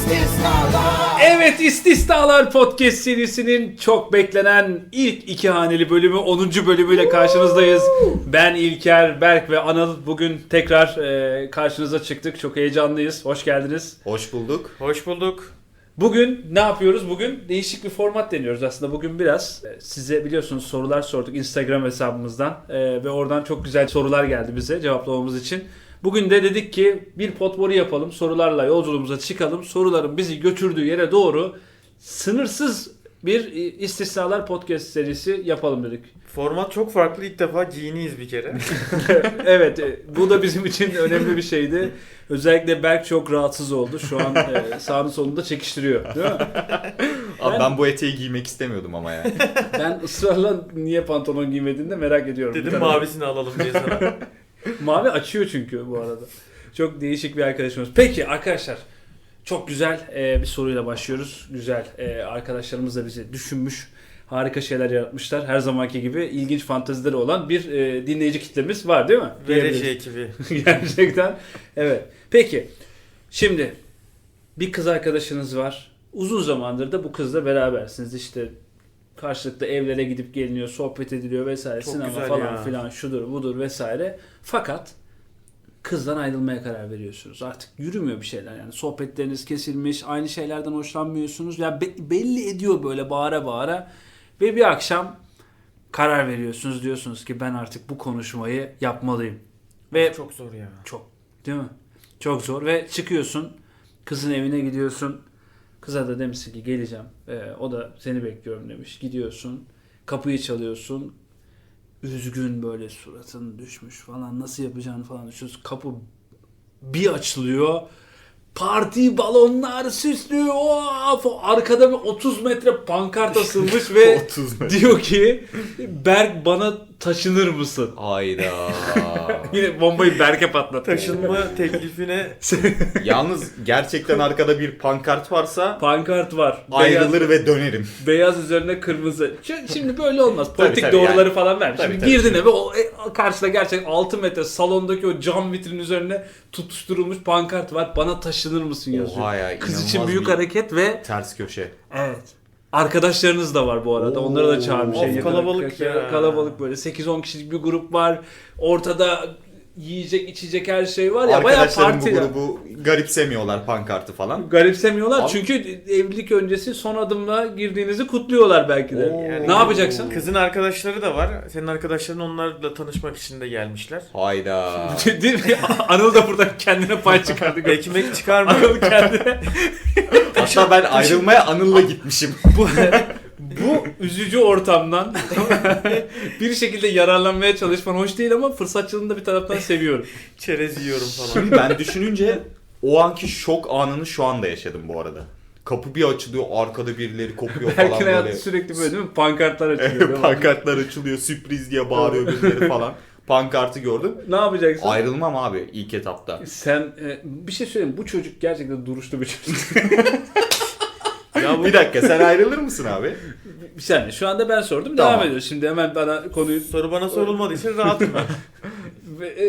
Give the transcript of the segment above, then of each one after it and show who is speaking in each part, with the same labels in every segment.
Speaker 1: Evet, İstisnalar Podcast serisinin çok beklenen ilk iki haneli bölümü 10. bölümüyle karşınızdayız. Ben İlker, Berk ve Anıl bugün tekrar karşınıza çıktık. Çok heyecanlıyız. Hoş geldiniz.
Speaker 2: Hoş bulduk.
Speaker 3: Hoş bulduk.
Speaker 1: Bugün ne yapıyoruz? Bugün değişik bir format deniyoruz aslında. Bugün biraz size biliyorsunuz sorular sorduk Instagram hesabımızdan ve oradan çok güzel sorular geldi bize cevaplamamız için. Bugün de dedik ki bir potpourri yapalım, sorularla yolculuğumuza çıkalım. Soruların bizi götürdüğü yere doğru sınırsız bir İstisnalar Podcast serisi yapalım dedik.
Speaker 3: Format çok farklı. İlk defa giyiniyiz bir kere.
Speaker 1: Evet, bu da bizim için önemli bir şeydi. Özellikle Berk çok rahatsız oldu. Şu an sağını solunda çekiştiriyor. Değil mi?
Speaker 2: Abi ben bu eteği giymek istemiyordum ama ya.
Speaker 1: Ben ısrarla niye pantolon giymediğini de merak ediyorum.
Speaker 3: Dedim mavisini alalım diye sana.
Speaker 1: Mavi açıyor çünkü bu arada. Çok değişik bir arkadaşımız. Peki arkadaşlar, çok güzel bir soruyla başlıyoruz. Güzel arkadaşlarımız da bizi düşünmüş. Harika şeyler yaratmışlar. Her zamanki gibi ilginç fantezileri olan bir dinleyici kitlemiz var değil mi?
Speaker 3: Vereci ekibi.
Speaker 1: Gerçekten. Evet. Peki. Şimdi bir kız arkadaşınız var. Uzun zamandır da bu kızla berabersiniz. İşte karşılıklı evlere gidip geliniyor, sohbet ediliyor vesaire.
Speaker 3: Çok
Speaker 1: Sinema
Speaker 3: güzel
Speaker 1: falan
Speaker 3: ya.
Speaker 1: filan şudur budur vesaire. Fakat kızdan ayrılmaya karar veriyorsunuz. Artık yürümüyor bir şeyler yani. Sohbetleriniz kesilmiş, aynı şeylerden hoşlanmıyorsunuz. Ya belli ediyor böyle bağıra bağıra. Ve bir akşam karar veriyorsunuz. Diyorsunuz ki ben artık bu konuşmayı yapmalıyım. Ve
Speaker 3: Çok zor ya.
Speaker 1: çok, değil mi? Çok zor ve çıkıyorsun. Kızın evine gidiyorsun. Kıza da demişsin ki geleceğim. O da seni bekliyorum demiş. Gidiyorsun. Kapıyı çalıyorsun. Üzgün böyle suratın düşmüş falan. Nasıl yapacağını falan düşünüyorsun. Kapı bir açılıyor. Parti balonlar süslüyor. Of! Arkada bir 30 metre pankart asılmış ve
Speaker 2: 30 metre.
Speaker 1: diyor ki Berk bana taşınır mısın?
Speaker 2: Hayda.
Speaker 1: Yine bombayı Berk'e patlattı.
Speaker 3: Taşınma teklifine
Speaker 2: Yalnız gerçekten arkada bir pankart varsa
Speaker 1: Pankart var.
Speaker 2: ayrılır ve dönerim.
Speaker 1: Beyaz üzerine kırmızı. Şimdi böyle olmaz. Politik
Speaker 2: tabii
Speaker 1: doğruları
Speaker 2: yani.
Speaker 1: falan ver.
Speaker 2: Tabii,
Speaker 1: Şimdi
Speaker 2: tabii.
Speaker 1: girdin eve o karşıda gerçekten 6 metre salondaki o cam vitrinin üzerine tutuşturulmuş pankart var. Bana taşınır mısın yazıyor.
Speaker 2: Oha ya,
Speaker 1: Kız için
Speaker 2: inanılmaz
Speaker 1: büyük
Speaker 2: bir
Speaker 1: hareket ve
Speaker 2: ters köşe.
Speaker 1: evet. Arkadaşlarınız da var bu arada. Onları da çağırmış.
Speaker 3: Of,
Speaker 1: En yakın
Speaker 3: kalabalık
Speaker 1: arkadaşlar.
Speaker 3: ya.
Speaker 1: Kalabalık böyle 8-10 kişilik bir grup var. Ortada yiyecek içecek her şey var ya. Bayağı
Speaker 2: Arkadaşlarım bu
Speaker 1: parti.
Speaker 2: grubu garipsemiyorlar, pankartı falan.
Speaker 1: Garipsemiyorlar
Speaker 2: Abi-
Speaker 1: çünkü evlilik öncesi son adımla girdiğinizi kutluyorlar belki de.
Speaker 2: Oo.
Speaker 1: Ne yapacaksın?
Speaker 3: kızın arkadaşları da var. Senin arkadaşların onlarla tanışmak için de gelmişler.
Speaker 2: Hayda.
Speaker 1: Değil mi? Anıl da buradan kendine pay çıkardı.
Speaker 3: Ekmek çıkarma.
Speaker 1: Anıl kendine.
Speaker 2: Hatta ben ayrılmaya Anıl'la gitmişim.
Speaker 1: Bu üzücü ortamdan bir şekilde yararlanmaya çalışman hoş değil ama fırsatçılığını da bir taraftan seviyorum.
Speaker 3: Çerez yiyorum falan.
Speaker 2: Şimdi ben düşününce o anki şok anını şu anda yaşadım bu arada. Kapı bir açılıyor, arkada birileri kopuyor falan
Speaker 1: Berk'in hayatı
Speaker 2: böyle.
Speaker 1: sürekli böyle değil mi? Pankartlar açılıyor. değil mi?
Speaker 2: Pankartlar açılıyor, sürpriz diye bağırıyor birileri falan. Pankartı gördüm.
Speaker 1: Ne yapacaksın?
Speaker 2: Ayrılmam abi ilk etapta.
Speaker 1: Sen bir şey söyleyeyim. Bu çocuk gerçekten duruşlu bir çocuk.
Speaker 3: Ya bu
Speaker 2: Bir dakika, sen ayrılır mısın abi?
Speaker 1: Bir saniye. Şu anda ben sordum.
Speaker 2: Tamam.
Speaker 1: Devam ediyoruz. Şimdi hemen bana konuyu...
Speaker 3: soru bana sorulmadığı için rahatım ben.
Speaker 1: Ve-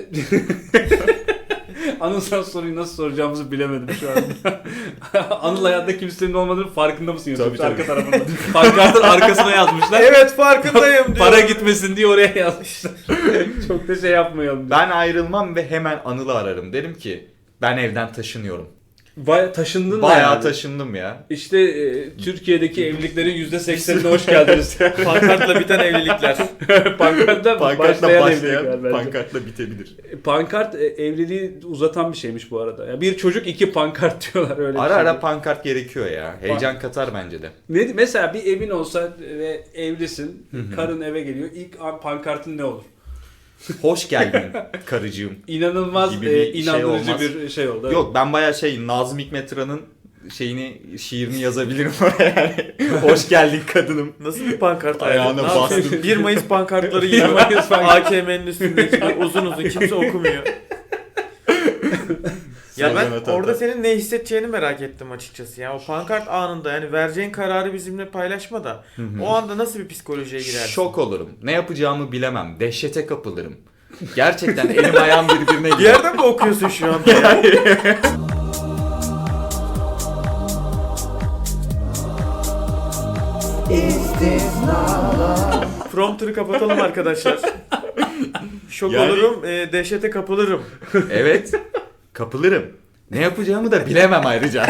Speaker 1: Anıl sen soruyu nasıl soracağımızı bilemedim şu anda. Anıl hayatta kimsenin olmadığını farkında mısın?
Speaker 2: Tabii,
Speaker 1: Arka
Speaker 2: tabii.
Speaker 1: tarafında. Pankartın arkasına yazmışlar.
Speaker 3: Evet farkındayım diyor.
Speaker 1: Para gitmesin diye oraya yazmışlar. Çok da şey yapmayalım.
Speaker 2: Ben ayrılmam ve hemen Anıl'ı ararım. Derim ki ben evden taşınıyorum.
Speaker 1: Taşındın mı?
Speaker 2: Bayağı
Speaker 1: yani?
Speaker 2: taşındım ya.
Speaker 1: İşte Türkiye'deki evliliklerin %80'ine hoş geldiniz.
Speaker 3: Pankartla biten evlilikler.
Speaker 1: Pankartla
Speaker 2: Pankartla
Speaker 1: başlayan evlilikler
Speaker 2: başlayan,
Speaker 1: bence.
Speaker 2: pankartla bitebilir.
Speaker 1: Pankart evliliği uzatan bir şeymiş bu arada. Ya bir çocuk 2 pankart diyorlar öyle.
Speaker 2: Ara
Speaker 1: bir şey.
Speaker 2: ara pankart gerekiyor ya. Heyecan katar bence de.
Speaker 1: Ne, mesela bir evin olsa ve evlisin, karın eve geliyor. İlk pankartın ne olur?
Speaker 2: Hoş geldin karıcığım.
Speaker 1: İnanılmaz
Speaker 2: Gibi bir şey
Speaker 1: inandırıcı
Speaker 2: olmaz.
Speaker 1: bir şey oldu.
Speaker 2: Yok, ben bayağı Nazım Hikmet'in şiirini yazabilirim oraya yani. Hoş geldin kadınım.
Speaker 3: Nasıl bir pankart
Speaker 2: Ayağına
Speaker 3: ayarladın? Ne yapıyorsun?
Speaker 2: bastın.
Speaker 3: 1 Mayıs pankartları
Speaker 1: 1
Speaker 3: gibi.
Speaker 1: Mayıs pankart.
Speaker 3: AKM'nin üstündeki uzun uzun kimse okumuyor. Ya ben
Speaker 2: Sonra
Speaker 3: orada
Speaker 2: tabii.
Speaker 3: senin ne hissedeceğini merak ettim açıkçası ya. O pankart anında yani vereceğin kararı bizimle paylaşma da o anda nasıl bir psikolojiye girersin?
Speaker 2: Şok olurum. Ne yapacağımı bilemem. Dehşete kapılırım. Gerçekten elim ayağım birbirine
Speaker 3: Bir
Speaker 2: girer.
Speaker 3: yerden mi okuyorsun şu anda? Prompter'ı kapatalım arkadaşlar. Şok
Speaker 2: Yani-
Speaker 3: olurum, dehşete kapılırım.
Speaker 2: Evet. Kapılırım. Ne yapacağımı da bilemem ayrıca.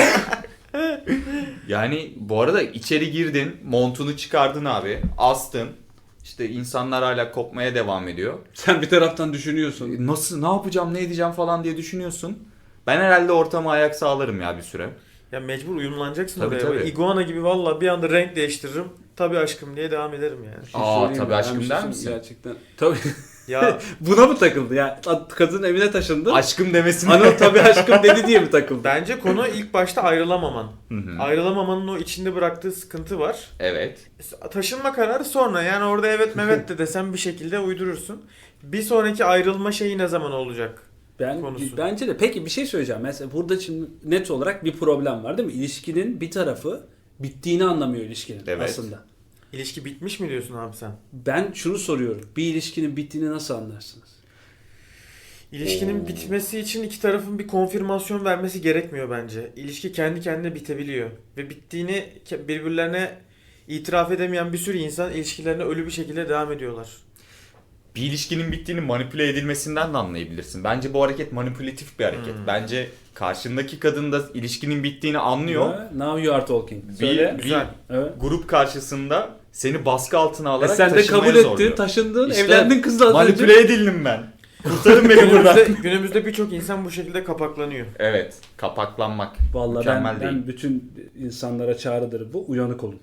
Speaker 2: Yani bu arada içeri girdin, montunu çıkardın abi, astın. İşte insanlar hala kopmaya devam ediyor.
Speaker 1: Sen bir taraftan düşünüyorsun.
Speaker 2: Nasıl, ne yapacağım, ne edeceğim falan diye düşünüyorsun. Ben herhalde ortama ayak sağlarım ya bir süre.
Speaker 3: Ya mecbur uyumlanacaksın
Speaker 2: Tabii,
Speaker 3: oraya.
Speaker 2: tabii.
Speaker 3: Böyle iguana gibi valla bir anda renk değiştiririm. Tabii aşkım diye devam ederim yani.
Speaker 1: Bir şey
Speaker 2: Aa,
Speaker 1: söyleyeyim
Speaker 2: tabii
Speaker 1: mi?
Speaker 2: aşkım
Speaker 1: Ben bir
Speaker 2: der
Speaker 1: şey
Speaker 2: misin?
Speaker 1: söyleyeyim Gerçekten. Tabii.
Speaker 3: Ya
Speaker 1: Buna mı takıldı? Ya kadın evine taşındı.
Speaker 2: Aşkım demesini.
Speaker 1: Anıl tabii aşkım dedi diye mi takıldı?
Speaker 3: bence konu ilk başta ayrılamaman.
Speaker 2: Hı hı.
Speaker 3: Ayrılamamanın o içinde bıraktığı sıkıntı var.
Speaker 2: Evet.
Speaker 3: Taşınma kararı sonra, yani orada evet mevet de desem bir şekilde uydurursun. Bir sonraki ayrılma şeyi ne zaman olacak? Konusu.
Speaker 1: Bence de. Peki bir şey söyleyeceğim. Mesela burada şimdi net olarak bir problem var değil mi? İlişkinin bir tarafı bittiğini anlamıyor ilişkinin
Speaker 2: Evet.
Speaker 1: aslında.
Speaker 3: İlişki bitmiş mi diyorsun abi sen?
Speaker 1: Ben şunu soruyorum. Bir ilişkinin bittiğini nasıl anlarsınız?
Speaker 3: İlişkinin bitmesi için iki tarafın bir konfirmasyon vermesi gerekmiyor bence. İlişki kendi kendine bitebiliyor. Ve bittiğini birbirlerine itiraf edemeyen bir sürü insan ilişkilerine ölü bir şekilde devam ediyorlar.
Speaker 2: Bir ilişkinin bittiğini manipüle edilmesinden de anlayabilirsin. Bence bu hareket manipülatif bir hareket. Bence karşındaki kadın da ilişkinin bittiğini anlıyor.
Speaker 1: Now you are talking.
Speaker 2: Bir,
Speaker 1: Söyle.
Speaker 2: bir
Speaker 3: Güzel.
Speaker 1: Evet.
Speaker 2: grup karşısında seni baskı altına alarak
Speaker 1: Sen de
Speaker 2: taşınmaya
Speaker 1: kabul ettin,
Speaker 2: zorluyor.
Speaker 1: taşındın,
Speaker 2: İşte
Speaker 1: evlendin kızla az önce.
Speaker 2: Manipüle edildim ben. Kurtarın beni buradan.
Speaker 3: Günümüzde birçok insan bu şekilde kapaklanıyor.
Speaker 2: Evet, kapaklanmak
Speaker 1: Vallahi
Speaker 2: mükemmel değil.
Speaker 1: ben bütün insanlara çağrıdır bu. Uyanık olun.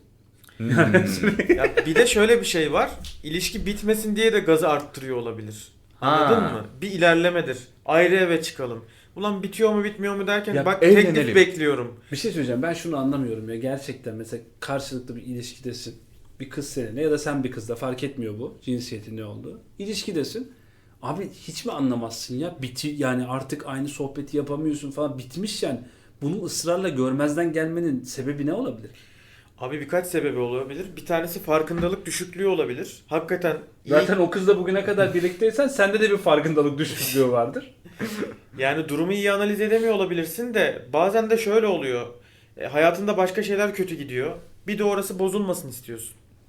Speaker 3: Ya bir de şöyle bir şey var. İlişki bitmesin diye de gazı arttırıyor olabilir. Anladın
Speaker 2: Ha.
Speaker 3: mı? Bir ilerlemedir. Ayrı eve çıkalım. Ulan bitiyor mu bitmiyor mu derken
Speaker 1: Ya
Speaker 3: bak
Speaker 2: evlenelim.
Speaker 3: teklif bekliyorum.
Speaker 1: Bir şey söyleyeceğim. Ben şunu anlamıyorum ya. Gerçekten mesela karşılıklı bir ilişkidesin. Bir kız seninle ya da sen bir kızla, fark etmiyor bu. Cinsiyetin ne olduğu. İlişkidesin. Abi hiç mi anlamazsın ya? Yani artık aynı sohbeti yapamıyorsun falan. Bitmiş yani. Bunu ısrarla görmezden gelmenin sebebi ne olabilir?
Speaker 3: Abi birkaç sebebi olabilir. Bir tanesi farkındalık düşüklüğü olabilir. Hakikaten iyi.
Speaker 1: Zaten o kızla bugüne kadar birlikteysen sende de bir farkındalık düşüklüğü vardır.
Speaker 3: Yani durumu iyi analiz edemiyor olabilirsin de bazen de şöyle oluyor. Hayatında başka şeyler kötü gidiyor. Bir de orası bozulmasın istiyorsun.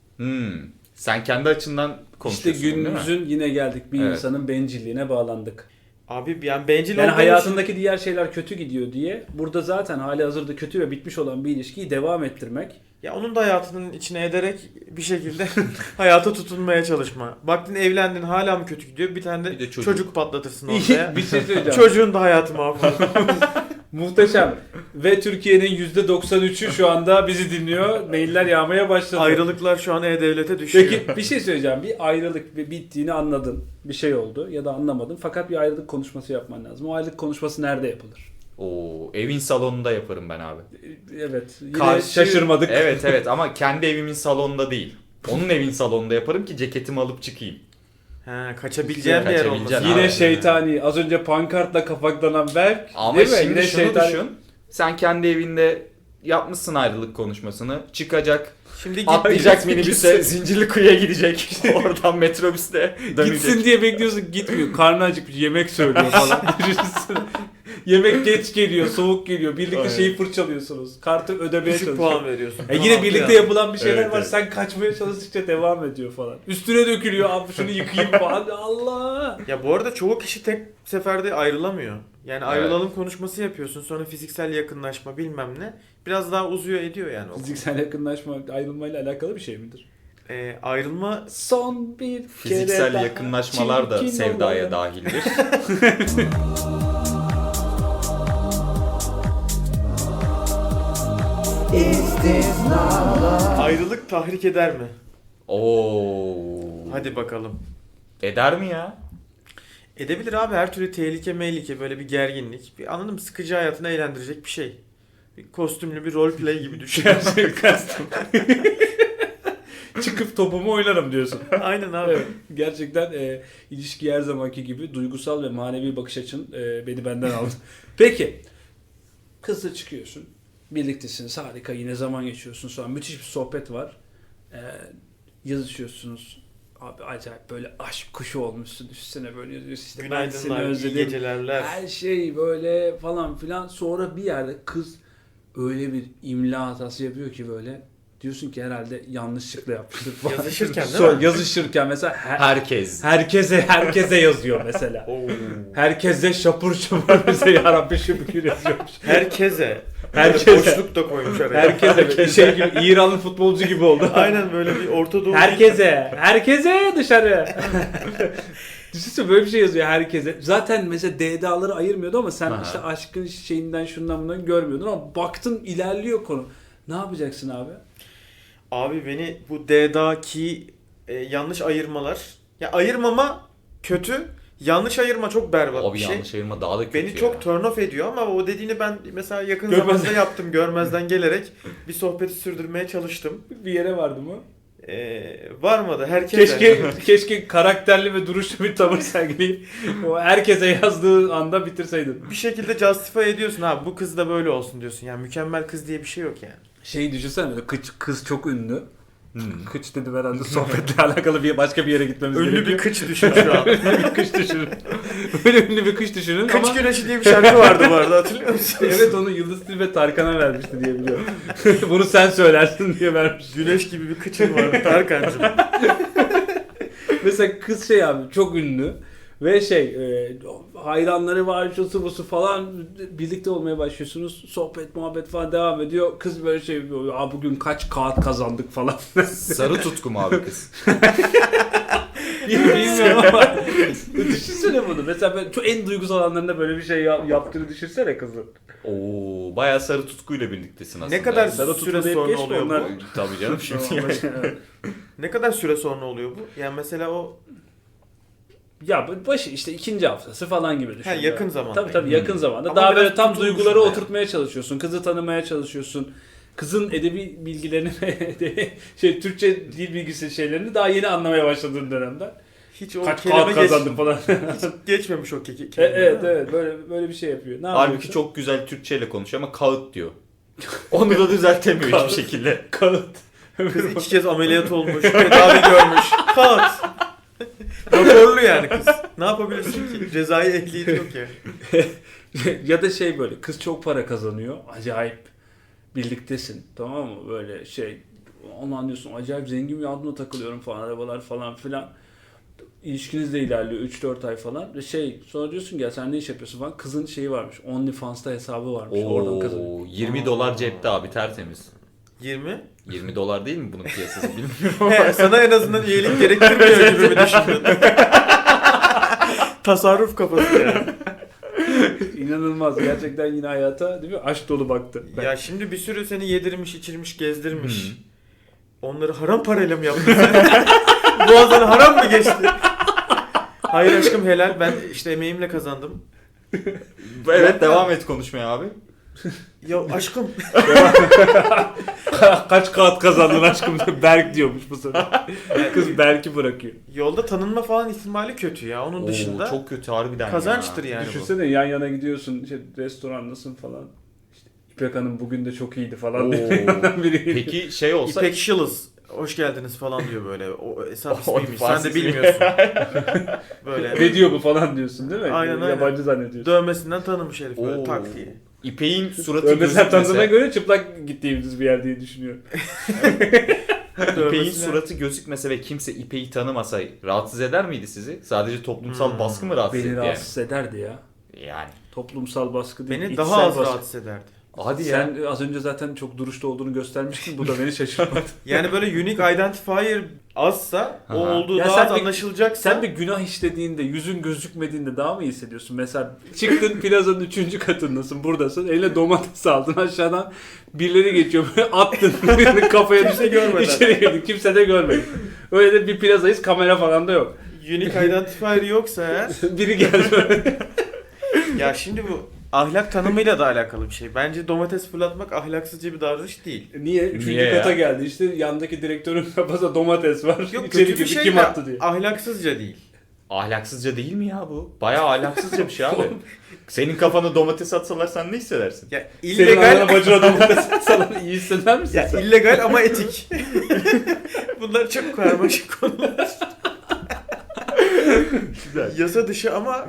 Speaker 2: Sen kendi açından
Speaker 1: İşte
Speaker 2: konuşuyorsun değil mi?
Speaker 1: günümüzün yine geldik. Bir
Speaker 2: Evet.
Speaker 1: insanın bencilliğine bağlandık.
Speaker 3: Abi yani bencil
Speaker 1: Yani
Speaker 3: olduğun
Speaker 1: hayatındaki diğer şeyler kötü gidiyor diye burada zaten hali hazırda kötü ve bitmiş olan bir ilişkiyi devam ettirmek.
Speaker 3: için, ya onun da hayatının içine ederek bir şekilde hayata tutunmaya çalışma. Baktın evlendin hala mı kötü gidiyor? Bir tane de,
Speaker 2: Bir de çocuk.
Speaker 3: çocuk patlatırsın ortaya.
Speaker 1: Bir şey söyleyeceğim.
Speaker 3: Çocuğun da hayatı mahvolur.
Speaker 1: Muhteşem. Ve Türkiye'nin %93'ü şu anda bizi dinliyor. Mailler yağmaya başladı.
Speaker 3: Ayrılıklar şu an E-Devlet'e düşüyor.
Speaker 1: Peki bir şey söyleyeceğim. Bir ayrılık bittiğini anladın. Bir şey oldu ya da anlamadın. Fakat bir ayrılık konuşması yapman lazım. O ayrılık konuşması nerede yapılır?
Speaker 2: Oo, evin salonunda yaparım ben abi.
Speaker 1: Evet. Yine şaşırmadık.
Speaker 2: Evet ama kendi evimin salonunda değil. Onun evin salonunda yaparım ki ceketimi alıp çıkayım.
Speaker 3: He, kaçabileceğin bir yer
Speaker 2: Kaçabileceğin
Speaker 3: olmasın.
Speaker 1: Yine
Speaker 2: abi.
Speaker 1: şeytani. Az önce pankartla kapaklanan Berk.
Speaker 2: Ama
Speaker 1: değil mi?
Speaker 2: şimdi
Speaker 1: Yine
Speaker 2: şunu
Speaker 1: şeytani.
Speaker 2: düşün. Sen kendi evinde yapmışsın ayrılık konuşmasını. Çıkacak,
Speaker 3: Şimdi git
Speaker 2: atlayacak
Speaker 1: Gitsin.
Speaker 2: minibüse, Zincirlikuyu'ya gidecek. Oradan metrobüste dönecek.
Speaker 1: Gitsin diye bekliyorsun, gitmiyor. Karnı acıkmış, yemek söylüyor falan. Düşünsene. Yemek geç geliyor, soğuk geliyor. Birlikte
Speaker 2: Aynen.
Speaker 1: şeyi fırçalıyorsunuz. Kartı ödemeye
Speaker 3: düşük
Speaker 1: çalışıyorsunuz.
Speaker 3: puan veriyorsun.
Speaker 1: Yine
Speaker 3: Tamam
Speaker 1: birlikte
Speaker 3: ya.
Speaker 1: yapılan bir şeyler
Speaker 2: Evet,
Speaker 1: var.
Speaker 2: evet.
Speaker 1: Sen kaçmaya çalıştıkça devam ediyor falan. Üstüne dökülüyor. Abi şunu yıkayayım falan. Allah!
Speaker 3: Ya bu arada çoğu kişi tek seferde ayrılamıyor. Yani
Speaker 2: Evet.
Speaker 3: ayrılalım konuşması yapıyorsun. Sonra fiziksel yakınlaşma bilmem ne. Biraz daha uzuyor ediyor yani. o.
Speaker 1: Fiziksel yakınlaşma ayrılmayla alakalı bir şey midir?
Speaker 3: Ayrılma
Speaker 1: Son bir kere
Speaker 2: Fiziksel
Speaker 1: daha
Speaker 2: yakınlaşmalar da
Speaker 1: çirkin
Speaker 2: sevdaya
Speaker 1: olalım.
Speaker 2: dahildir.
Speaker 3: ayrılık tahrik eder mi?
Speaker 2: Oo.
Speaker 3: Hadi bakalım.
Speaker 2: Eder mi ya?
Speaker 3: Edebilir abi, her türlü tehlike böyle bir gerginlik. Bir anladın mı? Sıkıcı hayatını eğlendirecek bir şey. Bir kostümlü bir roleplay gibi düşün.
Speaker 1: Gerçekten. Çıkıp topumu oynarım diyorsun.
Speaker 3: Aynen abi.
Speaker 1: Evet, gerçekten ilişki her zamanki gibi duygusal ve manevi bakış açın beni benden aldı. Peki, kızla çıkıyorsun, birliktesiniz, harika, yine zaman geçiyorsun, sonra müthiş bir sohbet var, yazışıyorsunuz, abi acayip böyle aşk kuşu olmuşsun, üstüne böyle yazıyorsun, işte ben seni
Speaker 3: Günaydınlar, iyi
Speaker 1: özledim,
Speaker 3: gecelerler.
Speaker 1: her şey böyle falan filan, sonra bir yerde kız öyle bir imla hatası yapıyor ki böyle Diyorsun ki herhalde yanlışlıkla yapmıştır falan.
Speaker 3: Yazışırken değil mi?
Speaker 1: Yazışırken mesela
Speaker 2: Herkes.
Speaker 1: herkese yazıyor mesela.
Speaker 3: Oo.
Speaker 1: Herkese şapur şapur bize yarabbi şükür yazıyormuş.
Speaker 3: Herkese.
Speaker 1: Herkese.
Speaker 3: Boşluk da koymuş araya.
Speaker 1: Herkese şey gibi İranlı futbolcu gibi oldu.
Speaker 3: Aynen böyle bir Orta Doğu.
Speaker 1: Herkese dışarı. Düşünsene böyle bir şey yazıyor herkese. Zaten mesela DDA'ları ayırmıyordu ama sen
Speaker 2: Aha.
Speaker 1: işte aşkın şeyinden şundan bundan görmüyordun ama baktın ilerliyor konu. Ne yapacaksın abi?
Speaker 3: Abi beni bu D'daki yanlış ayırmalar. Ya ayırmama kötü. Yanlış ayırma çok berbat
Speaker 2: Abi
Speaker 3: bir şey.
Speaker 2: yanlış ayırma daha da kötü
Speaker 3: Beni
Speaker 2: ya.
Speaker 3: çok turn off ediyor ama o dediğini ben mesela yakın
Speaker 1: Görmezden.
Speaker 3: zamanda yaptım. Görmezden gelerek bir sohbeti sürdürmeye çalıştım.
Speaker 1: Bir yere vardı mı?
Speaker 3: Varmadı. Herkese.
Speaker 1: Keşke karakterli ve duruşlu bir tavır sergileyip o herkese yazdığı anda bitirseydin.
Speaker 3: Bir şekilde justify ediyorsun abi bu kız da böyle olsun diyorsun. Yani mükemmel kız diye bir şey yok yani.
Speaker 1: Şeyi düşünsene böyle kız çok ünlü.
Speaker 2: Hmm.
Speaker 1: Kıç dedim herhalde sohbetle alakalı başka bir yere gitmemiz
Speaker 3: Ünlü
Speaker 1: gerekiyor.
Speaker 3: bir kıç düşün şu an.
Speaker 1: Ünlü bir kış düşünün. Böyle ünlü bir kış düşünün
Speaker 3: Kıç
Speaker 1: ama...
Speaker 3: Güneşi diye bir şarkı vardı bu arada hatırlıyor musunuz?
Speaker 1: Evet onu Yıldız Tilbe Tarkan'a vermişti diye biliyorum. Bunu sen söylersin diye vermiş.
Speaker 3: Güneş gibi bir kıçın vardı Tarkan'cığım.
Speaker 1: Mesela kız şey abi çok ünlü ve hayranları var şusu busu falan birlikte olmaya başlıyorsunuz. Sohbet muhabbet falan devam ediyor. Kız böyle şey yapıyor. Bugün kaç kağıt kazandık falan.
Speaker 2: Sarı tutku mu abi kız?
Speaker 1: Bilmiyorum ama düşünsene bunu. Mesela ben çok en duygusal anlarında böyle bir şey yaptığını düşünsene kızın.
Speaker 2: Oo, bayağı sarı tutkuyla birliktesin aslında.
Speaker 3: Ne kadar
Speaker 1: Sarı
Speaker 3: süre
Speaker 1: tutma deyip
Speaker 3: sonra
Speaker 1: geçme
Speaker 3: oluyor
Speaker 1: onlar.
Speaker 3: bu?
Speaker 2: Tabii canım şimdi yani.
Speaker 3: Ne kadar süre sonra oluyor bu? Yani mesela o
Speaker 1: Ya başı işte ikinci haftası falan gibi düşün.
Speaker 3: Ha, yakın zamanda.
Speaker 1: Tabii yakın zamanda.
Speaker 3: Ama
Speaker 1: Daha
Speaker 3: biraz
Speaker 1: böyle tam
Speaker 3: tutulmuş
Speaker 1: duyguları
Speaker 3: yani.
Speaker 1: oturtmaya çalışıyorsun. Kızı tanımaya çalışıyorsun. Kızın edebi bilgilerini Türkçe dil bilgisi şeylerini daha yeni anlamaya başladığın dönemde.
Speaker 3: hiç o
Speaker 1: Kaç
Speaker 3: kelime
Speaker 1: kağıt kazandım falan.
Speaker 3: hiç geçmemiş o kelime.
Speaker 1: Evet böyle bir şey yapıyor. Ne
Speaker 2: Halbuki
Speaker 1: yapıyorsun?
Speaker 2: çok güzel Türkçeyle konuşuyor ama kağıt diyor. Onu da düzeltemiyor
Speaker 1: Kağıt.
Speaker 2: hiçbir şekilde.
Speaker 1: Kağıt.
Speaker 3: Kız 2 kez ameliyat olmuş, tedavi görmüş. Kağıt. Raporlu yani kız. Ne yapabilirsin ki? Cezai ehliyeti yok ya.
Speaker 1: Ya da böyle kız çok para kazanıyor. Acayip birliktesin. Tamam mı? Böyle onu anlıyorsun. Acayip zengin bir adına takılıyorum falan. Arabalar falan filan. İlişkiniz de ilerliyor 3-4 ay falan. Ve sonra diyorsun ya sen ne iş yapıyorsun falan. Kızın şeyi varmış. OnlyFans'ta hesabı varmış. Oradan kazanıyor.
Speaker 2: Oo, 20 dolar cepte abi tertemiz.
Speaker 3: 20.
Speaker 2: 20 dolar değil mi bunun piyasası bilmiyorum.
Speaker 3: He, sana en azından üyelik gerektirmiyor gibi mi düşündün? Tasarruf kafası yani.
Speaker 1: İnanılmaz. Gerçekten yine hayata değil mi? Aşk dolu baktı.
Speaker 3: Ya şimdi bir sürü seni yedirmiş, içirmiş, gezdirmiş. Onları haram parayla mı yaptın sen? Boğazdan haram mı geçti? Hayır aşkım helal. Ben işte emeğimle kazandım.
Speaker 2: Evet devam et konuşmaya abi.
Speaker 3: Ya aşkım.
Speaker 1: Kaç kağıt kazandın aşkım? Berk diyormuş bu sefer. Kız Berk'i bırakıyor.
Speaker 3: Yolda tanınma falan ihtimali kötü ya. Onun dışında
Speaker 2: çok kötü harbiden
Speaker 3: kazançtır
Speaker 2: ya.
Speaker 3: yani bu.
Speaker 1: Düşünsene yan yana gidiyorsun restorandasın falan. İşte İpek Hanım bugün de çok iyiydi falan diye
Speaker 2: Oo.
Speaker 1: yandan biri geliyor.
Speaker 2: Peki şey olsa...
Speaker 3: İpek Şılız. Hoş geldiniz falan diyor böyle. O hesap
Speaker 2: O
Speaker 3: ismiymiş. Sen
Speaker 2: Fars
Speaker 3: de
Speaker 2: ismi.
Speaker 3: bilmiyorsun. Böyle.
Speaker 1: Ne diyor bu falan diyorsun değil mi?
Speaker 3: Aynen, aynen.
Speaker 1: Yabancı zannediyorsun.
Speaker 3: Dövmesinden tanımış herif böyle
Speaker 2: Oo.
Speaker 3: tak diye.
Speaker 2: İpek'in suratı
Speaker 1: Mesela tanıdığına
Speaker 2: gözükmese...
Speaker 1: göre çıplak gittiğimiz bir yer diye düşünüyorum.
Speaker 2: İpek'in
Speaker 3: Dövmesine-
Speaker 2: suratı gözükmese ve kimse İpek'i tanımasa rahatsız eder miydi sizi? Sadece toplumsal baskı mı rahatsız
Speaker 1: Beni
Speaker 2: etti yani?
Speaker 1: rahatsız ederdi ya.
Speaker 2: Yani.
Speaker 1: Toplumsal baskı değil.
Speaker 3: Beni
Speaker 1: içsel
Speaker 3: daha az
Speaker 1: baskı.
Speaker 3: rahatsız ederdi.
Speaker 2: Hadi ya.
Speaker 1: Sen az önce zaten çok duruşta olduğunu göstermiştin. Bu da beni şaşırtmadı.
Speaker 3: Yani böyle unique identifier azsa o
Speaker 2: Aha.
Speaker 3: olduğu
Speaker 1: Ya
Speaker 3: daha
Speaker 1: sen
Speaker 3: az
Speaker 1: bir-
Speaker 3: anlaşılacaksa
Speaker 1: Sen bir günah işlediğinde, yüzün gözükmediğinde daha mı iyi hissediyorsun? Mesela çıktın plazanın 3. katındasın, buradasın. Eline domates aldın aşağıdan. Birileri geçiyor böyle attın. Birinin kafaya
Speaker 3: Kimse
Speaker 1: düştü.
Speaker 3: görmeden.
Speaker 1: İçeri girdin. Kimse de görmedi. Öyle de bir plazayız. Kamera falan da yok.
Speaker 3: unique identifier yoksa eğer
Speaker 1: Biri geldi böyle.
Speaker 3: ya şimdi bu ahlak tanımıyla da alakalı bir şey. Bence domates fırlatmak ahlaksızca bir davranış değil.
Speaker 1: Niye? 3.
Speaker 2: Niye
Speaker 1: kata
Speaker 2: ya?
Speaker 1: geldi. İşte yandaki direktörün kafasında domates var.
Speaker 3: Yok
Speaker 1: İçeri
Speaker 3: kötü bir
Speaker 1: girdi.
Speaker 3: şey
Speaker 1: Kim
Speaker 3: de
Speaker 1: attı diye.
Speaker 3: ahlaksızca değil.
Speaker 2: Ahlaksızca değil mi ya bu? Bayağı ahlaksızca bir şey abi. Senin kafana domates atsalar sen ne hissedersin?
Speaker 3: Ya
Speaker 1: Senin
Speaker 3: illegal
Speaker 1: anana bacına domates atsalar iyi hisseder misin
Speaker 3: ya
Speaker 1: sen?
Speaker 3: illegal ama etik. Bunlar çok karmaşık konular.
Speaker 2: Güzel.
Speaker 3: Yasa dışı ama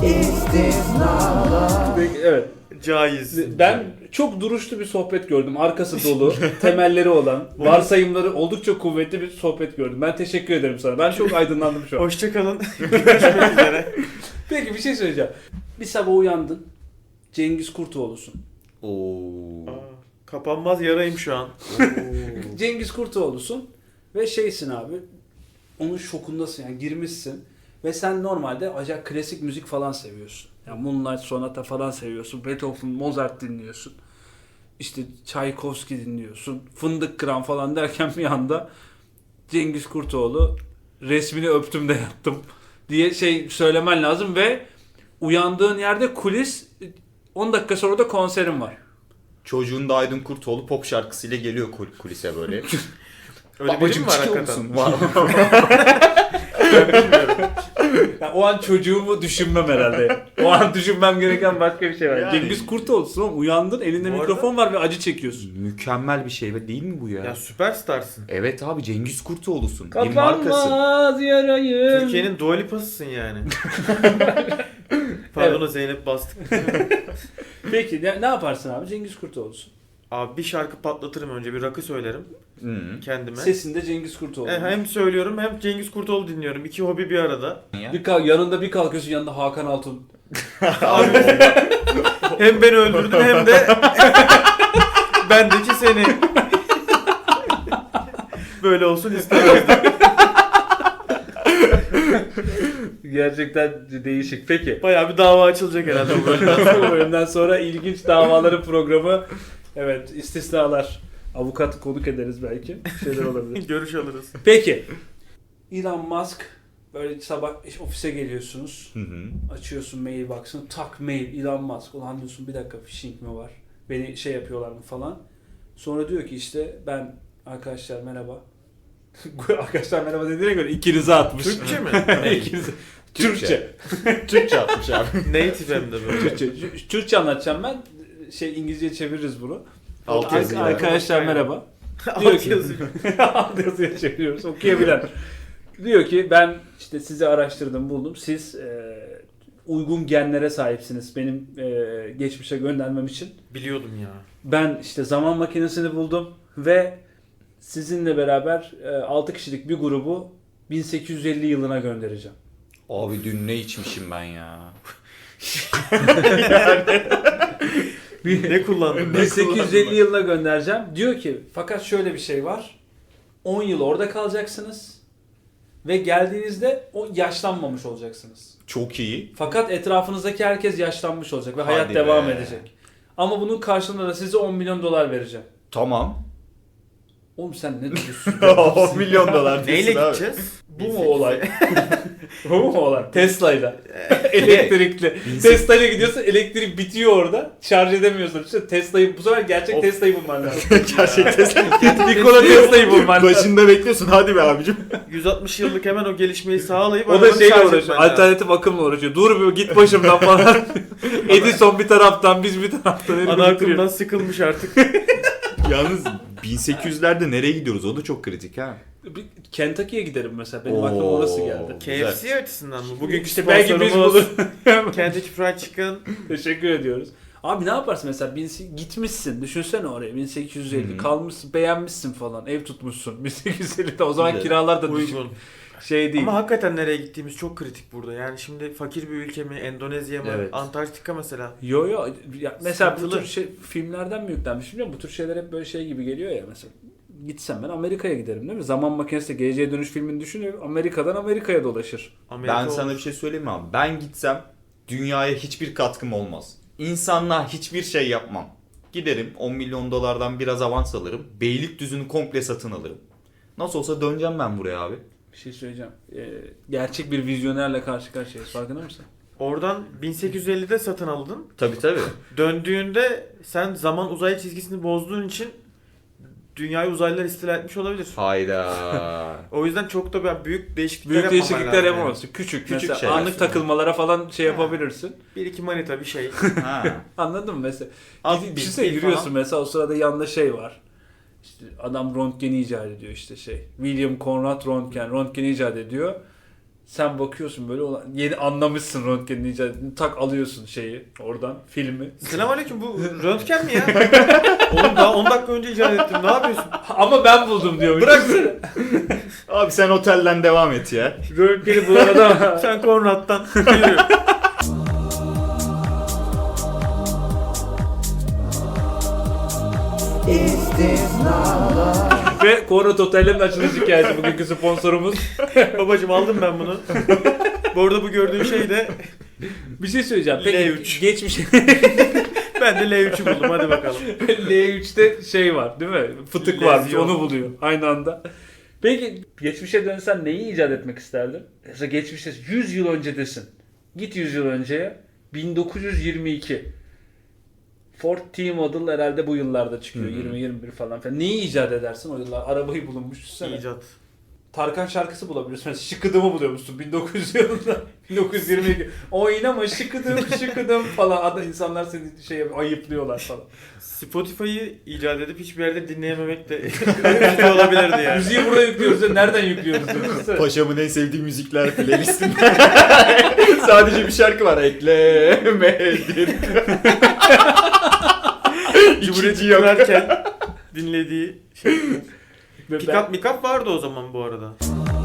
Speaker 1: Peki, evet.
Speaker 3: Caiz.
Speaker 1: Ben çok duruşlu bir sohbet gördüm. Arkası dolu, temelleri olan, varsayımları oldukça kuvvetli bir sohbet gördüm. Ben teşekkür ederim sana. Ben çok aydınlandım şu an.
Speaker 3: Hoşçakalın. Görüşmek üzere.
Speaker 1: Peki bir şey söyleyeceğim. Bir sabah uyandın. Cengiz Kurtoğlu'sun.
Speaker 2: Oo.
Speaker 3: Aa, kapanmaz yarayım şu an.
Speaker 1: Cengiz Kurtoğlu'sun ve şeysin abi. Onun şokundasın yani girmişsin. Ve sen normalde acayip klasik müzik falan seviyorsun. Yani Moonlight Sonata falan seviyorsun. Beethoven, Mozart dinliyorsun. İşte Tchaikovsky dinliyorsun. Fındık Kıran falan derken bir anda Cengiz Kurtoğlu resmini öptüm de yattım diye şey söylemen lazım ve uyandığın yerde kulis 10 dakika sonra da konserin var.
Speaker 2: Çocuğun da Aydın Kurtoğlu pop şarkısıyla geliyor kulise böyle.
Speaker 3: Öyle biri
Speaker 2: Babacım
Speaker 3: mi var
Speaker 2: çıkıyor
Speaker 3: hakikaten?
Speaker 2: musun? Var.
Speaker 1: Yani o an çocuğumu düşünmem herhalde. O an düşünmem gereken başka bir şey var.
Speaker 2: Yani.
Speaker 1: Cengiz Kurtoğlu'sun ama uyandın elinde
Speaker 3: Bu
Speaker 1: mikrofon var ve acı çekiyorsun.
Speaker 2: Mükemmel bir şey değil mi bu ya?
Speaker 3: Ya süperstarsın.
Speaker 2: Evet abi Cengiz Kurtoğlu'sun. Bir markasın.
Speaker 1: Kapanmaz yarayım.
Speaker 3: Türkiye'nin Dua Lipa'sısın yani. Pardon
Speaker 1: Evet.
Speaker 3: Zeynep bastık.
Speaker 1: Peki ne yaparsın abi? Cengiz Kurtoğlu'sun.
Speaker 3: Abi bir şarkı patlatırım önce. Bir rakı söylerim
Speaker 2: Hı.
Speaker 3: kendime.
Speaker 1: Sesinde Cengiz Kurtoğlu.
Speaker 3: Hem söylüyorum hem Cengiz Kurtoğlu dinliyorum. İki hobi bir arada.
Speaker 1: Yanında bir kalkıyorsun yanında Hakan Altun.
Speaker 3: Abi hem beni öldürdün hem de bendeki seni. Böyle olsun istemezdim.
Speaker 1: Gerçekten değişik. Peki.
Speaker 3: Bayağı bir dava açılacak herhalde bu bölümden.
Speaker 1: Bu bölümden sonra ilginç davaların programı. Evet, istisnalar. Avukatı konuk ederiz belki. Bir şeyler olabilir.
Speaker 3: Görüş alırız.
Speaker 1: Peki. Elon Musk böyle sabah ofise geliyorsunuz.
Speaker 2: Hı hı.
Speaker 1: Açıyorsun mailbox'ını. Tak mail Elon Musk. Ulan diyorsun bir dakika phishing mi var? Beni şey yapıyorlar mı falan. Sonra diyor ki işte ben arkadaşlar merhaba. Arkadaşlar merhaba dediğine göre ikinize atmış.
Speaker 3: Türkçe mi?
Speaker 1: İkinize. Türkçe.
Speaker 2: Türkçe atmış abi.
Speaker 3: Native hem de böyle.
Speaker 1: Türkçe anlatacağım ben. İngilizce çeviririz bunu.
Speaker 2: Alt yazı yani.
Speaker 1: Arkadaşlar merhaba. Diyor
Speaker 3: Alt
Speaker 1: ki
Speaker 3: yazı.
Speaker 1: alt yazıya çeviriyoruz. Okuyabilen. Diyor ki ben işte sizi araştırdım buldum. Siz uygun genlere sahipsiniz benim geçmişe göndermem için.
Speaker 3: Biliyordum ya.
Speaker 1: Ben işte zaman makinesini buldum ve sizinle beraber 6 kişilik bir grubu 1850 yılına göndereceğim.
Speaker 2: Abi dün ne içmişim ben ya.
Speaker 3: Ne kullandın?
Speaker 1: 1850 yılına göndereceğim. Diyor ki fakat şöyle bir şey var. 10 yıl orada kalacaksınız ve geldiğinizde o yaşlanmamış olacaksınız.
Speaker 2: Çok iyi.
Speaker 1: Fakat etrafınızdaki herkes yaşlanmış olacak ve
Speaker 2: Hadi
Speaker 1: hayat
Speaker 2: be.
Speaker 1: devam edecek. Ama bunun karşılığında da size 10 milyon dolar vereceğim.
Speaker 2: Tamam.
Speaker 1: Oğlum sen ne diyorsun?
Speaker 2: 10 milyon dolar
Speaker 3: Neyle
Speaker 2: diyorsun abi.
Speaker 3: gideceğiz?
Speaker 1: Bu mu olay? Bu mu olay? Tesla'yla. Elektrikli. Tesla'yla gidiyorsun elektrik bitiyor orada. Şarj edemiyorsun. İşte Tesla'yı bu sefer gerçek
Speaker 3: Of.
Speaker 1: Tesla'yı bulman lazım.
Speaker 2: Gerçekten.
Speaker 1: Nikola Tesla'yı bulman lazım.
Speaker 2: Başında bekliyorsun hadi be abicim.
Speaker 3: 160 yıllık hemen o gelişmeyi sağlayıp
Speaker 1: O da
Speaker 3: arabanı
Speaker 1: şeyle
Speaker 3: şarj
Speaker 1: uğraşıyor.
Speaker 3: etmen lazım.
Speaker 1: Alternatif akımla uğraşıyor. Dur bir git başımdan falan. Edison bir taraftan biz bir taraftan. herif
Speaker 3: Ana
Speaker 1: bitiriyor.
Speaker 3: akımdan sıkılmış artık.
Speaker 2: Yalnız 1800'lerde nereye gidiyoruz? O da çok kritik ha.
Speaker 1: Bir Kentucky'ye giderim mesela. Benim aklıma orası geldi.
Speaker 3: KFC açısından mı? Bugünkü
Speaker 1: İşte belki biz
Speaker 3: sponsorumuz
Speaker 1: bulur.
Speaker 3: Kentucky Fried Chicken.
Speaker 1: Teşekkür ediyoruz. Abi ne yaparsın mesela gitmişsin düşünsene oraya 1850
Speaker 2: Hı hı.
Speaker 1: kalmışsın beğenmişsin falan ev tutmuşsun 1850'de o zaman
Speaker 2: Güzel.
Speaker 1: kiralar da düşük
Speaker 3: Uygun.
Speaker 1: şey değil.
Speaker 3: Ama hakikaten nereye gittiğimiz çok kritik burada. Yani şimdi fakir bir ülke mi, Endonezya mı,
Speaker 2: Evet.
Speaker 3: Antarktika mesela.
Speaker 1: Yo ya mesela bu
Speaker 3: Sıkıntılı.
Speaker 1: tür filmlerden mi yüklenmiş bilmiyorum bu tür şeyler hep böyle şey gibi geliyor ya mesela. Gitsem ben Amerika'ya giderim değil mi? Zaman makinesi de Geleceğe Dönüş filmini düşünüyorum. Amerika'dan Amerika'ya dolaşır.
Speaker 3: Amerika
Speaker 2: Ben sana
Speaker 3: olur.
Speaker 2: bir şey söyleyeyim mi abi? Ben gitsem dünyaya hiçbir katkım olmaz. İnsanlığa hiçbir şey yapmam. Giderim 10 milyon dolardan biraz avans alırım. Beylikdüzü'nü komple satın alırım. Nasıl olsa döneceğim ben buraya abi.
Speaker 1: Bir şey söyleyeceğim. Gerçek bir vizyonerle karşı karşıyayız. Farkında mısın?
Speaker 3: Oradan 1850'de satın aldın.
Speaker 2: Tabii tabii.
Speaker 3: Döndüğünde sen zaman uzay çizgisini bozduğun için dünyayı uzaylılar istila etmiş olabilir.
Speaker 2: Hayda.
Speaker 3: O yüzden çok da büyük değişiklikler
Speaker 1: Büyük
Speaker 3: yapmaman
Speaker 1: değişiklikler
Speaker 3: lazım
Speaker 1: yapamazsın. Küçük mesela
Speaker 2: şeyler.
Speaker 1: anlık takılmalara falan şey yapabilirsin.
Speaker 3: Yani. Bir iki manita bir şey.
Speaker 2: Ha.
Speaker 1: Anladın mı mesela?
Speaker 3: Az
Speaker 1: Bir
Speaker 3: bir
Speaker 1: şey
Speaker 3: bil
Speaker 1: yürüyorsun
Speaker 3: falan.
Speaker 1: mesela o sırada yanında şey var. İşte adam röntgeni icat ediyor işte şey. William Conrad Röntgen icat ediyor. Sen bakıyorsun böyle yeni anlamışsın röntgenin icadını. Tak alıyorsun şeyi oradan filmi.
Speaker 3: Selamünaleyküm, bu röntgen mi ya? Oğlum daha 10 dakika önce icat ettim. Ne yapıyorsun?
Speaker 1: Ama ben buldum diyormuş.
Speaker 2: Bırak Abi sen otelden devam et ya.
Speaker 1: Röntgeni bulan adam.
Speaker 3: Sen Konrad'dan yürü.
Speaker 1: Ve Konrad Oteller'in açılış hikayesi bugünkü sponsorumuz.
Speaker 3: Babacım aldım ben bunu. Bu arada bu gördüğün şey de
Speaker 1: Bir şey söyleyeceğim. Peki
Speaker 3: L3.
Speaker 1: geçmiş
Speaker 3: ben de L3'ü buldum, hadi bakalım.
Speaker 1: L3'te şey var değil mi? Fıtık varmış,
Speaker 3: Lezyon.
Speaker 1: onu buluyor aynı anda. Peki geçmişe dönsen neyi icat etmek isterdin? Mesela geçmişte 100 yıl öncedesin. Git 100 yıl önceye. 1922. Ford T-Model herhalde bu yıllarda çıkıyor. 20-21 falan filan. Neyi icat edersin o yıllar? Arabayı bulunmuş. Düşünsene.
Speaker 3: İcat.
Speaker 1: Tarkan şarkısı bulabiliyorsun. Mesela Şıkıdım'ı buluyormuşsun 1900 yılında. 1922. Oynama şıkıdım şıkıdım falan. Adı insanlar seni ayıplıyorlar falan.
Speaker 3: Spotify'ı icat edip hiçbir yerde dinleyememek de üzücü olabilirdi yani.
Speaker 1: Müziği burada yüklüyoruz. Nereden yüklüyoruz? Düşünsene.
Speaker 2: Paşamın en sevdiği müzikler playlistinde. Sadece bir şarkı var. Eklemedim.
Speaker 3: Cumhuriyeti
Speaker 2: yok.
Speaker 3: kurarken dinlediği şey.
Speaker 1: Ve
Speaker 3: Pick-up Mikap vardı o zaman bu arada.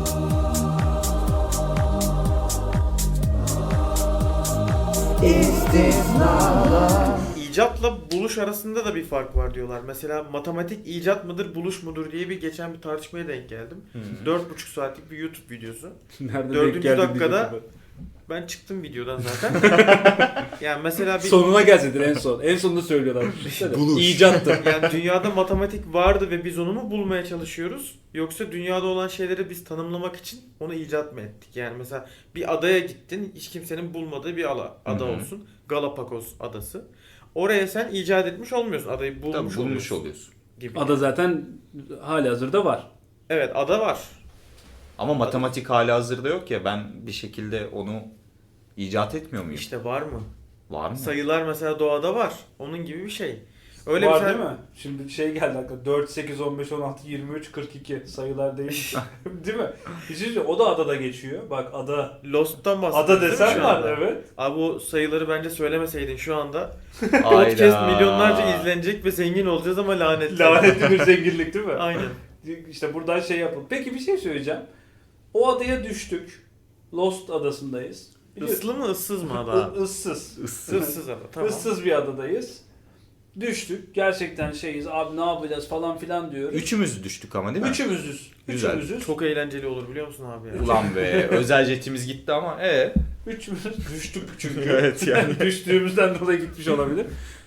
Speaker 3: İcatla buluş arasında da bir fark var diyorlar. Mesela matematik icat mıdır, buluş mudur diye geçen bir tartışmaya denk geldim. 4,5 saatlik bir YouTube videosu.
Speaker 1: Nerede
Speaker 3: Dördüncü
Speaker 1: denk geldin
Speaker 3: dakikada
Speaker 1: diyecektim
Speaker 3: Ben çıktım videodan zaten. Yani mesela
Speaker 1: ben.
Speaker 3: bir
Speaker 1: Sonuna gelseydin en son. En sonunda söylüyorlar. Düşünsene.
Speaker 2: Buluş.
Speaker 1: İcattır.
Speaker 3: yani dünyada matematik vardı ve biz onu mu bulmaya çalışıyoruz? Yoksa dünyada olan şeyleri biz tanımlamak için onu icat mı ettik? Yani mesela bir adaya gittin, hiç kimsenin bulmadığı bir ada olsun. Galapagos adası. Oraya sen icat etmiş olmuyorsun. Adayı bulmuş,
Speaker 2: Tabii bulmuş oluyorsun.
Speaker 3: gibi.
Speaker 1: Ada zaten halihazırda var.
Speaker 3: Evet, ada var.
Speaker 2: Ama matematik hali hazırda yok ya, ben bir şekilde onu icat etmiyor muyum?
Speaker 3: İşte var mı?
Speaker 2: Var mı?
Speaker 3: Sayılar mesela doğada var. Onun gibi bir şey. Öyle
Speaker 1: var
Speaker 3: bir şey-
Speaker 1: değil mi? Şimdi şey geldi aklıma. 4, 8, 15, 16, 23, 42 sayılar değil. Değil mi? Bir şey söyleyeyim, o da adada geçiyor. Bak ada.
Speaker 3: Lost'tan bahsediyorsun
Speaker 1: Ada
Speaker 3: değil mi
Speaker 1: desen
Speaker 3: şu
Speaker 1: var
Speaker 3: anda?
Speaker 1: evet.
Speaker 3: Abi o sayıları bence söylemeseydin şu anda.
Speaker 2: Hayda.
Speaker 3: Podcast milyonlarca izlenecek ve zengin olacağız ama lanetli.
Speaker 1: Lanetli bir zenginlik değil mi?
Speaker 3: Aynen.
Speaker 1: İşte buradan şey yapalım. Peki bir şey söyleyeceğim. O adaya düştük. Lost adasındayız.
Speaker 3: Islı mı ıssız mı ada?
Speaker 1: Issız.
Speaker 3: Issız ada, tamam.
Speaker 1: Issız bir adadayız. Düştük. Gerçekten şeyiz. Abi ne yapacağız falan filan diyoruz.
Speaker 2: Üçümüz düştük ama değil mi?
Speaker 1: Üçümüzüz.
Speaker 2: Güzel.
Speaker 1: Üçümüzüz.
Speaker 3: Çok eğlenceli olur biliyor musun abi ya?
Speaker 2: Ulan be, özel jetimiz gitti ama
Speaker 1: Üçümüz düştük çünkü.
Speaker 2: Evet yani.
Speaker 1: Düştüğümüzden dolayı gitmiş olabilir.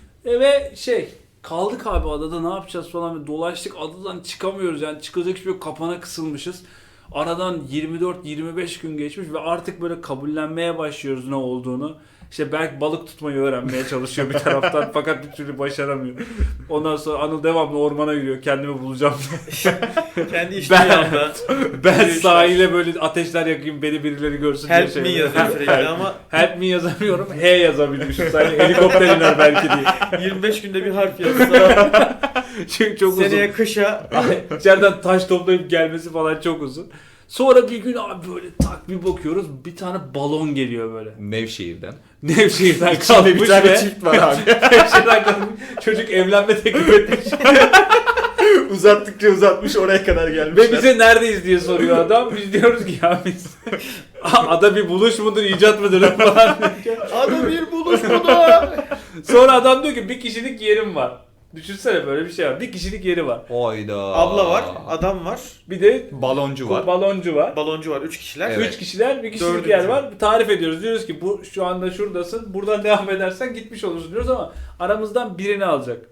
Speaker 1: Ve kaldık abi adada, ne yapacağız falan, ve dolaştık, adadan çıkamıyoruz yani, çıkacak hiçbir yok, kapana kısılmışız. Aradan 24-25 gün geçmiş ve artık böyle kabullenmeye başlıyoruz ne olduğunu. İşte Berk balık tutmayı öğrenmeye çalışıyor bir taraftan fakat bir türlü başaramıyor. Ondan sonra Anıl devamlı ormana yürüyor, kendimi bulacağım diye.
Speaker 3: Kendi içtiği anda.
Speaker 1: Ben
Speaker 3: Yürüyüşler.
Speaker 1: sahile böyle ateşler yakayım, beni birileri görsün diye
Speaker 3: Help me yazıyor sürekli ama
Speaker 1: Help me yazamıyorum. He yazabilmişim. Sadece helikopter iner belki diye.
Speaker 3: 25 günde bir harf yazsa
Speaker 1: Çünkü çok
Speaker 3: seneye
Speaker 1: uzun.
Speaker 3: kışa
Speaker 1: İçeriden taş toplayıp gelmesi falan çok uzun. Sonra bir gün abi böyle tak bir bakıyoruz, bir tane balon geliyor böyle.
Speaker 2: Nevşehir'den.
Speaker 1: Nevşehir'den
Speaker 2: İçinde
Speaker 1: kalkmış
Speaker 2: bir tane
Speaker 1: ve
Speaker 2: çift var abi.
Speaker 1: Nevşehir'den kalkmış. Çocuk evlenme teklif etmiş.
Speaker 2: Uzattıkça uzatmış, oraya kadar gelmişler.
Speaker 1: Ve bize neredeyiz diye soruyor adam. Biz diyoruz ki ya biz ada bir buluş mudur, icat mıdır falan.
Speaker 3: ada bir buluş bu da.
Speaker 1: Sonra adam diyor ki bir kişilik yerim var. Düşünsene, böyle bir şey var. Bir kişilik yeri var.
Speaker 2: Hayda.
Speaker 3: Abla var, adam var,
Speaker 1: Bir de
Speaker 2: Baloncu var.
Speaker 1: baloncu var.
Speaker 3: baloncu var, 3 kişiler.
Speaker 2: Evet.
Speaker 1: 3 kişiler, bir kişilik
Speaker 3: Dördüncü.
Speaker 1: yer var. Tarif ediyoruz. Diyoruz ki bu şu anda şuradasın. Buradan devam edersen gitmiş olursun diyoruz ama aramızdan birini alacak.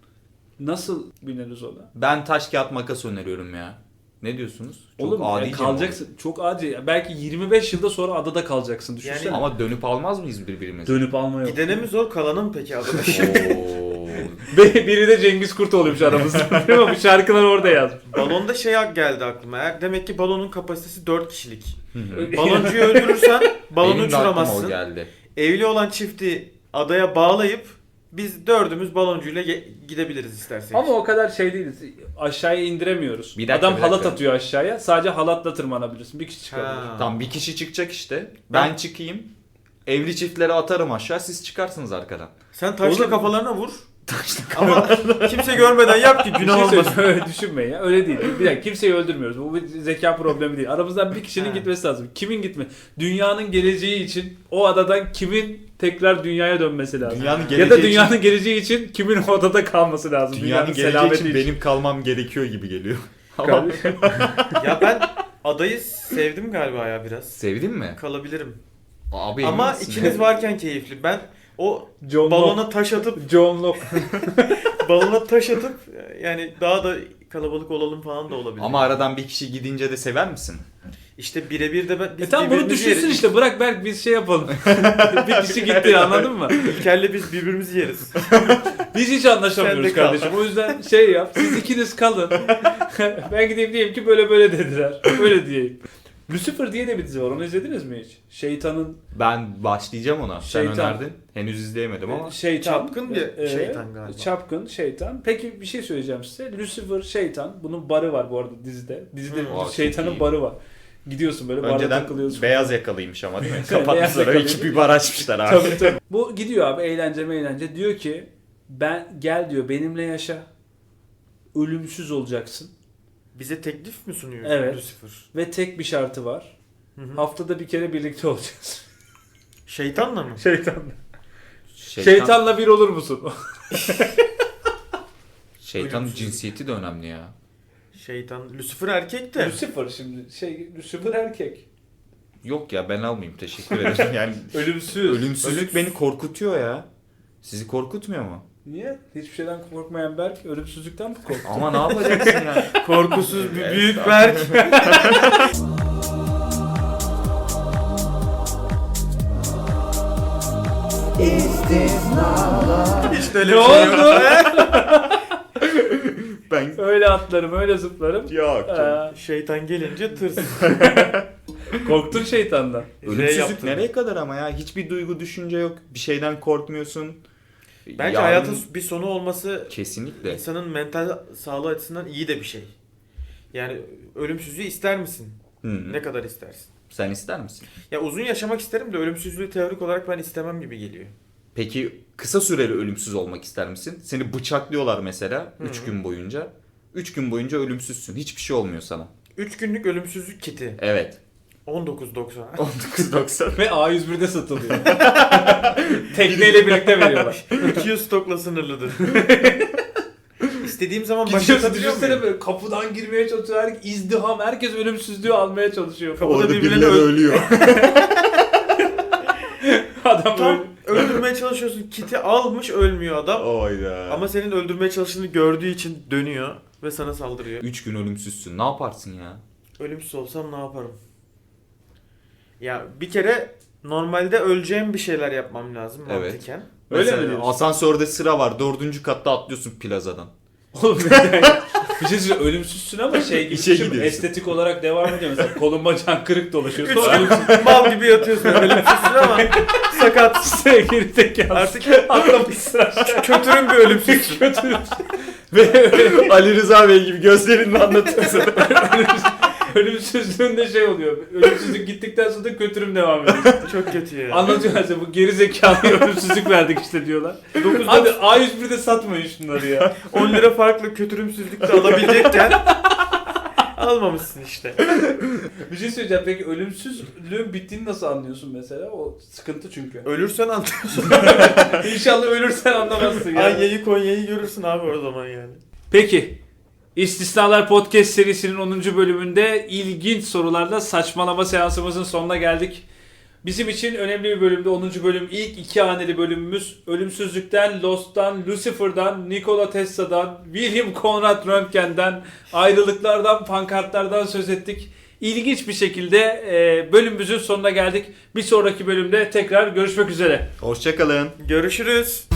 Speaker 1: Nasıl bineriz ona?
Speaker 2: Ben taş kağıt makas öneriyorum ya. Ne diyorsunuz? Çok
Speaker 1: Oğlum
Speaker 2: adice mi
Speaker 1: kalacaksın. Çok acil. Belki 25 yılda sonra adada kalacaksın. Düşünsene.
Speaker 3: Yani-
Speaker 2: olur? Ama dönüp almaz mıyız birbirimizi?
Speaker 1: Dönüp alma yok.
Speaker 3: Gidene mi zor, kalana mı peki adada?
Speaker 2: Oo.
Speaker 1: Biri de Cengiz Kurt oluyormuş aramızda. Değil mi? Bu şarkılar orada yazmış.
Speaker 3: Balonda geldi aklıma. Demek ki balonun kapasitesi 4 kişilik.
Speaker 2: Hı hı.
Speaker 3: Baloncuyu öldürürsen balonu
Speaker 2: Benim de aklıma o
Speaker 3: uçuramazsın.
Speaker 2: geldi.
Speaker 3: Evli olan çifti adaya bağlayıp Biz dördümüz baloncuyla gidebiliriz istersek.
Speaker 1: Ama o kadar şey değiliz. Aşağıya indiremiyoruz.
Speaker 2: Bir dakika,
Speaker 1: Adam
Speaker 2: bir
Speaker 1: halat
Speaker 2: dakika.
Speaker 1: atıyor aşağıya. Sadece halatla tırmanabilirsin. Bir kişi çıkabilir.
Speaker 3: Ha.
Speaker 2: Tam bir kişi çıkacak işte. Ben çıkayım. Evli çiftlere atarım aşağı. Siz çıkarsınız arkadan.
Speaker 3: Sen taşla
Speaker 1: Olur.
Speaker 3: kafalarına vur. Ama kimse görmeden yap ki
Speaker 1: Bir
Speaker 3: günah
Speaker 1: şey
Speaker 3: olmasın.
Speaker 1: söyleyeyim, öyle düşünmeyin ya. Öyle değil. Bir dakika, kimseyi öldürmüyoruz. Bu bir zeka problemi değil. Aramızdan bir kişinin
Speaker 3: Ha.
Speaker 1: gitmesi lazım. Kimin gitme? Dünyanın geleceği için o adadan kimin tekrar dünyaya dönmesi lazım?
Speaker 2: Dünyanın
Speaker 1: Ya
Speaker 2: geleceği
Speaker 1: da
Speaker 2: için-
Speaker 1: dünyanın geleceği için kimin o adada kalması lazım?
Speaker 2: Dünyanın geleceği
Speaker 1: selameti
Speaker 2: için benim kalmam gerekiyor gibi geliyor. Ama
Speaker 1: Kardeşim.
Speaker 3: Ya ben adayı sevdim galiba ya biraz.
Speaker 2: sevdin mi?
Speaker 3: Kalabilirim.
Speaker 2: Abi
Speaker 3: Ama
Speaker 2: emin misin?
Speaker 3: ikiniz varken keyifli. Ben o
Speaker 1: John
Speaker 3: balona
Speaker 1: Locke.
Speaker 3: taş atıp
Speaker 1: John Locke.
Speaker 3: yani daha da kalabalık olalım falan da olabilir.
Speaker 2: Ama aradan bir kişi gidince de sever misin?
Speaker 3: işte birebir de biz
Speaker 1: Tamam bunu
Speaker 3: birbirimizi
Speaker 1: düşünsün
Speaker 3: yeriz.
Speaker 1: işte. Bırak Berk biz şey yapalım. Bir kişi gitti anladın mı?
Speaker 3: İlker'le biz birbirimizi yeriz.
Speaker 1: Biz hiç
Speaker 3: Sen
Speaker 1: anlaşamıyoruz
Speaker 3: de kal.
Speaker 1: kardeşim. O yüzden şey yap. Siz ikiniz kalın. Ben gideyim diyeyim ki böyle böyle dediler. Böyle diyeyim. Lucifer diye de bir dizi var. Onu izlediniz mi hiç? Şeytanın
Speaker 2: Ben başlayacağım ona. Sen
Speaker 1: Şeytan.
Speaker 2: önerdin. Henüz izleyemedim ama.
Speaker 1: şeytan.
Speaker 3: Çapkın bir şeytan galiba.
Speaker 1: Çapkın şeytan. Peki bir şey söyleyeceğim size. Lucifer şeytan. Bunun barı var bu arada dizide. Dizide
Speaker 3: Aa,
Speaker 2: çok
Speaker 1: şeytanın
Speaker 2: iyi.
Speaker 1: barı var. Gidiyorsun böyle barda
Speaker 2: Önceden
Speaker 1: takılıyorsun.
Speaker 2: beyaz yakalıymış ama değil mi?
Speaker 1: Beyaz
Speaker 2: Kapatmışlar.
Speaker 1: yakalıydı.
Speaker 2: İki bir bar açmışlar abi.
Speaker 1: Tabii tabii. Bu gidiyor abi eğlence. Diyor ki ben gel diyor benimle yaşa. Ölümsüz olacaksın.
Speaker 3: Bize teklif mi sunuyor
Speaker 1: Evet.
Speaker 3: Lucifer?
Speaker 1: Ve tek bir şartı var.
Speaker 3: Hı hı.
Speaker 1: Haftada bir kere birlikte olacağız.
Speaker 3: Şeytanla mı?
Speaker 1: Şeytanla. Şeytanla bir olur musun?
Speaker 2: Şeytanın
Speaker 3: Ölümsüz.
Speaker 2: cinsiyeti de önemli ya.
Speaker 3: Şeytan. Lucifer erkek de.
Speaker 1: Lucifer şimdi Lucifer erkek.
Speaker 2: Yok ya ben almayayım teşekkür ederim. Yani
Speaker 1: Ölümsüz.
Speaker 2: ölümsüzlük beni korkutuyor ya. Sizi korkutmuyor mu?
Speaker 1: Niye? Hiçbir şeyden korkmayan Berk ölümsüzlükten mi korktu?
Speaker 2: Ama ne yapacaksın yani?
Speaker 3: Korkusuz bir
Speaker 2: Evet,
Speaker 3: büyük
Speaker 2: tamam.
Speaker 3: Berk. İşte öyle
Speaker 1: Ne
Speaker 3: bir şey yok.
Speaker 1: oldu?
Speaker 2: Ben
Speaker 1: Öyle atlarım, öyle zıplarım.
Speaker 2: yok.
Speaker 3: Şeytan gelince tırs.
Speaker 1: Korktun şeytandan.
Speaker 2: Ölümsüzlük
Speaker 3: yaptın.
Speaker 2: nereye kadar ama ya? Hiçbir duygu düşünce yok. Bir şeyden korkmuyorsun.
Speaker 3: Bence
Speaker 2: Yarın-
Speaker 3: hayatın bir sonu olması
Speaker 2: Kesinlikle.
Speaker 3: insanın mental sağlığı açısından iyi de bir şey. Yani ölümsüzlüğü ister misin?
Speaker 2: Hı.
Speaker 3: Ne kadar istersin?
Speaker 2: Sen ister misin?
Speaker 3: Ya uzun yaşamak isterim de ölümsüzlüğü teorik olarak ben istemem gibi geliyor.
Speaker 2: Peki kısa süreli ölümsüz olmak ister misin? Seni bıçaklıyorlar mesela
Speaker 3: Hı
Speaker 2: 3
Speaker 3: hı.
Speaker 2: gün boyunca. 3 gün boyunca ölümsüzsün. Hiçbir şey olmuyor sana.
Speaker 3: 3 günlük ölümsüzlük kiti.
Speaker 2: Evet.
Speaker 3: 19.90.
Speaker 2: 19.90.
Speaker 1: Ve A101'de satılıyor. Tekneyle birlikte veriyorlar.
Speaker 3: 200 stokla sınırlıdır. İstediğim zaman
Speaker 1: Gidiyorsun
Speaker 3: başlatabiliyor
Speaker 1: düşünsene
Speaker 3: muyum?
Speaker 1: böyle kapıdan girmeye çalışıyor. İzdiham. Herkes ölümsüzlüğü almaya çalışıyor.
Speaker 3: Kapıda
Speaker 2: Orada
Speaker 3: birbirine
Speaker 2: birileri ölüyor.
Speaker 1: Adam
Speaker 3: Tam
Speaker 1: böyle.
Speaker 3: öldürmeye çalışıyorsun. Kiti almış ölmüyor adam.
Speaker 2: Oyda.
Speaker 3: Ama senin öldürmeye çalıştığını gördüğü için dönüyor ve sana saldırıyor.
Speaker 2: 3 gün ölümsüzsün. Ne yaparsın ya?
Speaker 3: Ölümsüz olsam ne yaparım? Ya bir kere normalde öleceğim bir şeyler yapmam lazım
Speaker 2: Evet.
Speaker 3: mantıken.
Speaker 1: Öyle
Speaker 2: Mesela
Speaker 1: mi diyorsun?
Speaker 2: asansörde sıra var. 4. katta atlıyorsun plazadan.
Speaker 1: Oğlum neden ya? Bir şey söyleyeyim ölümsüzsün ama şey gibi
Speaker 2: İşe
Speaker 1: düşün,
Speaker 2: gidiyorsun.
Speaker 1: estetik olarak devam ediyor mesela kolun bacağın kırık dolaşıyor.
Speaker 3: 3
Speaker 1: Sonra
Speaker 3: gün mal gibi yatıyorsun ölümsüzsün ama sakat.
Speaker 1: sevgili zekalı.
Speaker 3: Artık
Speaker 1: atlamışsın aşağı.
Speaker 3: kötürüm bir ölümsüzsün.
Speaker 1: Kötü. Ve
Speaker 2: Ali Rıza Bey gibi gözlerinle anlatıyorsun.
Speaker 1: ölümsüzlüğünde şey oluyor. Ölümsüzlük gittikten sonra da kötürüm devam ediyor.
Speaker 3: Çok kötü ya.
Speaker 1: Anlatıyorlar size bu geri zekalı ölümsüzlük verdik işte diyorlar. Hadi A101'de satmayın şunları ya.
Speaker 3: 10 lira farklı kötürümsüzlük de alabilecekken almamışsın işte.
Speaker 1: Bir şey söyleyeceğim peki ölümsüzlüğün bittiğini nasıl anlıyorsun mesela? O sıkıntı çünkü.
Speaker 3: Ölürsen anlıyorsun.
Speaker 1: İnşallah ölürsen anlamazsın ya.
Speaker 3: Anya'yı Konya'yı görürsün abi o zaman yani.
Speaker 1: Peki. İstisnalar Podcast serisinin 10. bölümünde ilginç sorularla saçmalama seansımızın sonuna geldik. Bizim için önemli bir bölümde 10. bölüm ilk 2 haneli bölümümüz. Ölümsüzlükten, Lost'tan, Lucifer'dan, Nikola Tesla'dan, William Conrad Röntgen'den, ayrılıklardan, pankartlardan söz ettik. İlginç bir şekilde bölümümüzün sonuna geldik. Bir sonraki bölümde tekrar görüşmek üzere.
Speaker 2: Hoşçakalın.
Speaker 3: Görüşürüz.